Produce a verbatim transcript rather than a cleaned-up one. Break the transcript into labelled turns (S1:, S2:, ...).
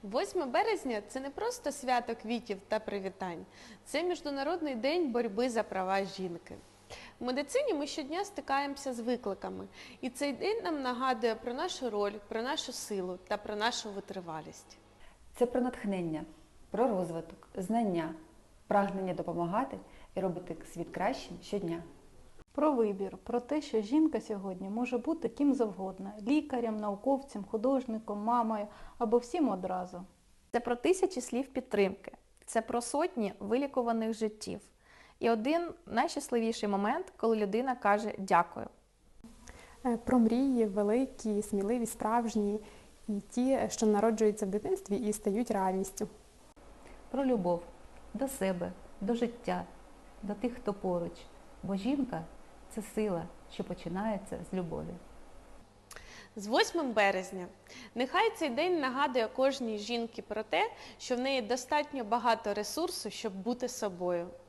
S1: восьме березня – це не просто свято квітів та привітань. Це Міжнародний день боротьби за права жінки. В медицині ми щодня стикаємося з викликами, і цей день нам нагадує про нашу роль, про нашу силу та про нашу витривалість.
S2: Це про натхнення, про розвиток, знання, прагнення допомагати і робити світ кращим щодня.
S3: Про вибір, про те, що жінка сьогодні може бути ким завгодно – лікарем, науковцем, художником, мамою або всім одразу.
S4: Це про тисячі слів підтримки, це про сотні вилікуваних життів. І один найщасливіший момент, коли людина каже «дякую».
S5: Про мрії великі, сміливі, справжні і ті, що народжуються в дитинстві і стають реальністю.
S2: Про любов до себе, до життя, до тих, хто поруч. Бо жінка – це сила, що починається з любові.
S1: З восьмим березня нехай цей день нагадує кожній жінці про те, що в неї достатньо багато ресурсу, щоб бути собою.